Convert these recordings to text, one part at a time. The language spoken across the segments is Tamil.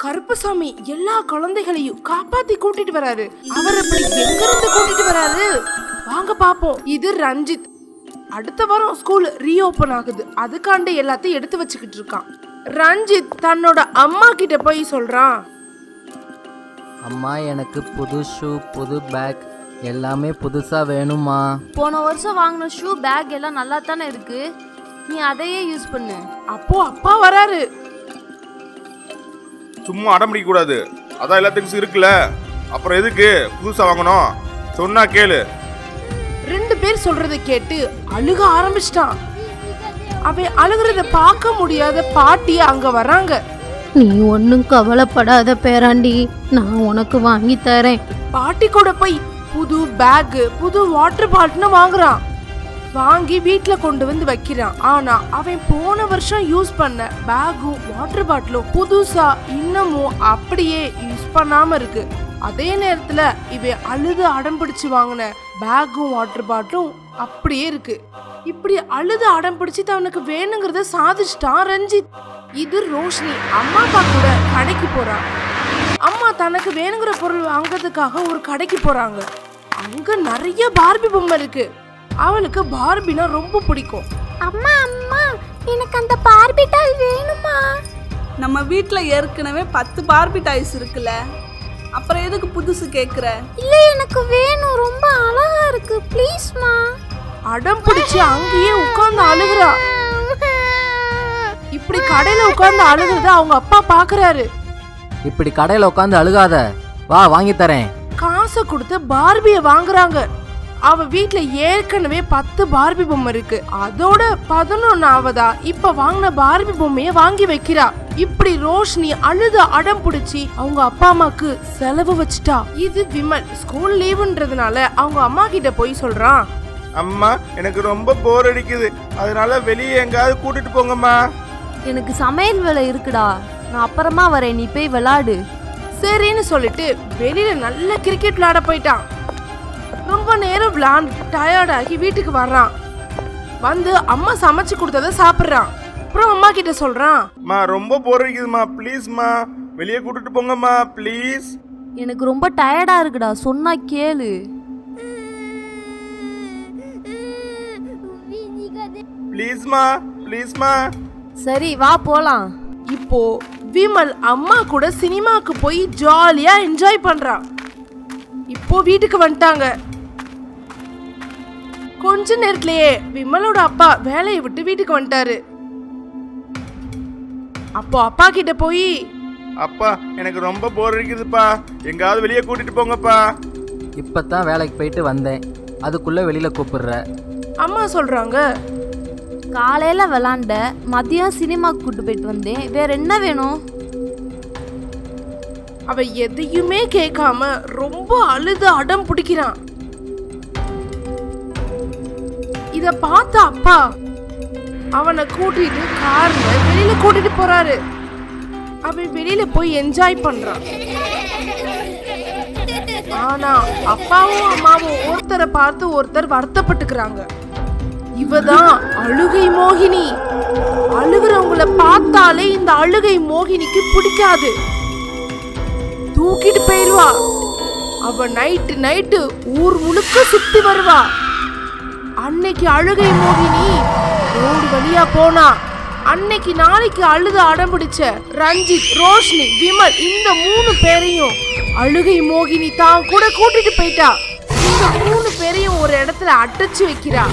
கருப்பசாமி எல்லா குழந்தைகளையும் காப்பாத்தி கூட்டிட்டு வராரு. அவர் அப்படி எங்க இருந்து கூட்டிட்டு வராரு வாங்க பாப்போம். இது ரஞ்சித். அடுத்த வாரம் ஸ்கூல் ரீஓபன் ஆகுது, அதுக்காண்ட எல்லாத்தையும் எடுத்து வச்சுக்கிட்டு இருக்கான். ரஞ்சித் தன்னோட அம்மா கிட்ட போய் சொல்றான், அம்மா எனக்கு புது ஷூ புது பேக் எல்லாமே புதுசா வேணுமா. போன வருஷம் வாங்கின ஷூ பேக் எல்லாம் நல்லா தானே இருக்கு, நீ அதையே யூஸ் பண்ணு. அப்போ அப்பா வராரு. சும்மா அடம் பிடிக்க கூடாது, அதான் எல்லாத்துக்கும் இருக்குல்ல, அப்புறம் எதுக்கு புதுசா வாங்கணும், சொன்னா கேளு. 2 பேர் சொல்றதை கேட்டு அழுக ஆரம்பிச்சிட்டான். அவன் அழுகிறத பார்க்க முடியாத பாட்டி அங்க வராங்க. நீ ஒன்னும் கவலைப்படாத பேராண்டி, நான் உனக்கு வாங்கி தரேன். பாட்டி கூட போய் புது பேக் புது வாட்டர் பாட்டில் வாங்குறான். வாங்கி வீட்டுல கொண்டு வந்து வைக்கிறான். ஆனா அவன் போன வருஷம் யூஸ் பண்ண பேக்கும் வாட்டர் பாட்டிலும் புதுசா இன்னமும் அப்படியே யூஸ் பண்ணாம இருக்கு. அதே நேரத்துல இவன் அழுது அடம் பிடிச்சு வாங்கின பேக்கும் வாட்டர் பாட்டிலும் அப்படியே இருக்கு. இப்படி அழுது அடம் பிடிச்சு அவனுக்கு வேணுங்கிறத சாதிச்சிட்டான் ரஞ்சித். இது ரோஷினி அம்மா அப்பா கூட கடைக்கு போறான். அம்மா தனக்கு வேணுங்கிற பொருள் வாங்குறதுக்காக ஒரு கடைக்கு போறாங்க. அங்க நிறைய பார்பி பொம்மை இருக்கு. அவளுக்கு பார்பினா ரொம்ப பிடிக்கும். அம்மா அம்மா எனக்கு அந்த பார்பி டாய் வேணுமா. நம்ம வீட்ல ஏற்கனவே 10 பார்பி டாய்ஸ் இருக்குல்ல, அப்புறம் எதுக்கு புதுசு கேக்குற? இல்ல எனக்கு வேணும், ரொம்ப அழகா இருக்கு, ப்ளீஸ்மா. அடம் பிடிச்சு அங்கேயே உட்கார்ந்து அழுகுறா. இப்படி கடையில உட்கார்ந்து அழுகுறத அவங்க அப்பா பாக்குறாரு. இப்படி கடையில் உட்காந்து அழுகாத, வா வாங்கி தரேன். காசை கொடுத்து பார்பிய வாங்குறாங்க. அவ வீட்ல ஏற்கனவே 10 பார்பி பொம்மை இருக்கு. அதோட 11ஆவதா இப்ப வாங்கின பார்பி பொம்மைய வாங்கி வைக்கிறா. இப்படி ரோஷினி அழுது அடம் பிடிச்சி அவங்க அப்பா அம்மாக்கு செலவு வச்சுட்டா. இது விமல் ஸ்கூல் லீவுன்றதுனால அவங்க அம்மா கிட்ட போய் சொல்றான், அம்மா எனக்கு ரொம்ப போர் அடிக்குது, அதனால வெளியே எங்காவது கூட்டிட்டு போங்கம்மா. எனக்கு சமையல் வேலை இருக்குடா, நான் அப்புறமா வரேன், நீ போய் விளையாடு. சரின்னு சொல்லிட்டு வெளியில நல்ல கிரிக்கெட் விளையாட போயிட்டான். ரொம்ப நேரம் விளையாண்டு டயர்டாகி வீட்டுக்கு வர்றான். வந்து அம்மா சமைச்சு கொடுத்தத சாப்பிட்றான். அப்புறம் அம்மா கிட்ட சொல்றான், அம்மா ரொம்ப போர் அடிக்குதுமா, ப்ளீஸ்மா வெளியே கூட்டிட்டு போங்கம்மா ப்ளீஸ். எனக்கு ரொம்ப டயர்டா இருக்குடா, சொன்னா கேளு. ப்ளீஸ்மா ப்ளீஸ்மா. சரி வா போலாம். இப்போ விமல் அம்மா கூட சினிமாக்கு போய் ஜாலியா என்ஜாய் பண்றான். இப்போ வீட்டுக்கு வந்துட்டாங்க. கொஞ்ச நேரத்திலேயே விமலோட அப்பா வேலையை விட்டு வீட்டுக்கு வந்துட்டாரு. அப்போ அப்பா கிட்ட போய், அப்பா எனக்கு ரொம்ப போர் அடிக்குதுப்பா, எங்காவது வெளியே கூட்டிட்டு போங்கப்பா. இப்பதான் வேலைக்கு போயிட்டு வந்தேன், அதுக்குள்ள வெளியில கூப்பிடுற. அம்மா சொல்றாங்க, காலையில விளாண்ட, மதியம் சினிமாக்கு கூட்டு போயிட்டு வந்தேன், வேற என்ன வேணும்? அவ எதையுமே கேட்காம ரொம்ப அழுது அடம் பிடிக்கிறான். இத பார்த்த அப்பா அவனை கூட்டிட்டு கார்ல வெளியில கூட்டிட்டு போறாரு. அவன் வெளியில போய் என்ஜாய் பண்றான். ஆனா அப்பாவும் அம்மாவும் ஒருத்தரை பார்த்து ஒருத்தர் வருத்தப்பட்டுக்கிறாங்க. இவதான் அழுகை மோகினி. அழுகிறவங்கள பார்த்தாலே இந்த அழுகை மோகினிக்கு பிடிக்காது, தூக்கிட்டு போயிருவா. அவ நைட்டு ஊர் முழுக்க சுத்தி வருவா. அன்னைக்கு அழுகை மோகினி ரோடு வழியா போனா. அன்னைக்கு நாளைக்கு அழுது அடம்பிடிச்ச ரஞ்சித், ரோஷினி, விமல் இந்த 3 பேரையும் அழுகை மோகினி தான் கூட கூட்டிட்டு போயிட்டா. இந்த 3 பேரையும் ஒரு இடத்துல அடைச்சு வைக்கிறா.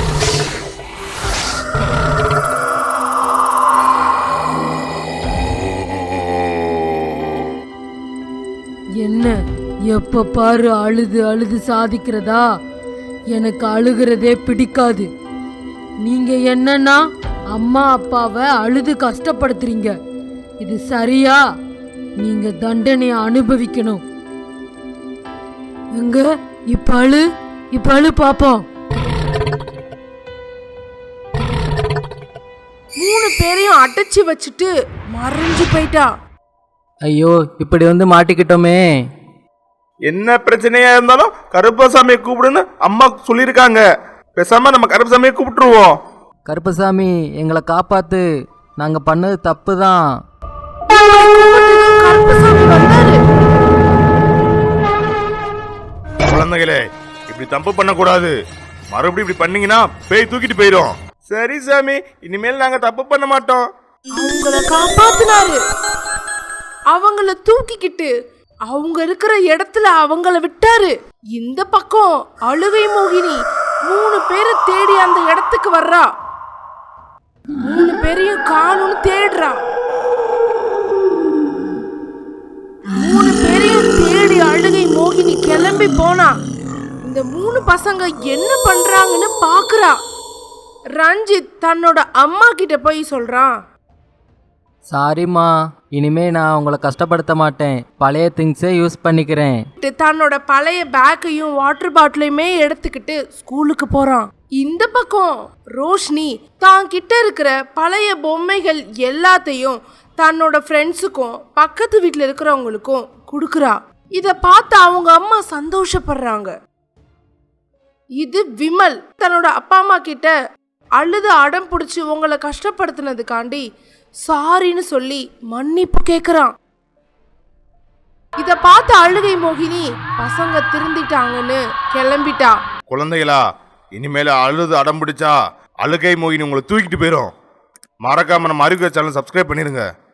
என்ன எப்ப பாரு அழுது அழுது சாதிக்கிறதா? எனக்கு அழுகிறதே பிடிக்காது. நீங்க என்னன்னா அம்மா அப்பாவை அழுது கஷ்டப்படுத்துறீங்க, இது சரியா? நீங்க தண்டனையை அனுபவிக்கணும். எங்க இப்ப அழு பாப்போம். 3 பேரையும் அடைச்சு வச்சுட்டு மறைஞ்சு போயிட்டா. ஐயோ இப்படி வந்து மாட்டிக்கிட்டோமே. என்ன பிரச்சனையா இருந்தாலும் கருப்பசாமியை கூப்பிடுன்னு அம்மா சொல்லியிருக்காங்க, பேசாம நம்ம கருப்பசாமியை கூப்பிட்டுருவோம். கருப்பசாமி எங்களை காப்பாத்து, நாங்க பண்ணது தப்பு தான். கருப்பசாமி தப்பு பண்ணக்கூடாது. மறுபடியும் இப்படி பண்ணீங்கன்னா பேய் தூக்கிட்டு போயிடும். சரி சாமி, இனிமேல் நாங்க தப்பு பண்ண மாட்டோம். அவங்கள காப்பாத்தினாரு. அவங்கள தூக்கிக்கிட்டு அவங்க இருக்கிற இடத்துல அவங்கள விட்டாரு. இந்த பக்கம் அழுகை மோகினி 3 பேரை தேடி அந்த இடத்துக்கு வர்றா. 3 பேரையும் காணும்னு தேடுறா. 3 பேரையும் தேடி அழுகை மோகினி கிளம்பி போனா. இந்த 3 பசங்க என்ன பண்றாங்கன்னு பாக்குறா. ரஞ்சித் தன்னோட அம்மா கிட்ட போய் சொல்றான், சாரிம்மா, இனிமே நான் உங்களை கஷ்டப்படுத்த மாட்டேன். பழைய திங்ஸே யூஸ் பண்ணிக்கிறேன். தன்னோட பழைய பேக்கையும் வாட்டர் பாட்டிலையுமே எடுத்துக்கிட்டு ஸ்கூலுக்கு போறான். இந்த பக்கம் ரோஷினி தான் கிட்ட இருக்கிற பழைய பொம்மைகள் எல்லாத்தையும் தன்னோட ஃப்ரெண்ட்ஸுக்கும் பக்கத்து வீட்டில் இருக்கிறவங்களுக்கும் கொடுக்குறா. இதை பார்த்து அவங்க அம்மா சந்தோஷப்படுறாங்க. இது விமல் தன்னோட அப்பா அம்மா கிட்ட அழுது அடம் பிடிச்சி உங்களை கஷ்டப்படுத்தினதுக்காண்டி சாரின்னு சொல்லி மன்னிப்பு கேக்குறான். இத பார்த்து அழுகை மோகினி பசங்க திருந்திட்டாங்கன்னு கிளம்பிட்டா. குழந்தைகளா, இனிமேல அழுது அடம் பிடிச்சா அழுகை மோகினி உங்களை தூக்கிட்டு போயிடும். மறக்காம நம்ம அறிவு சேனல் சப்ஸ்கிரைப் பண்ணிருங்க.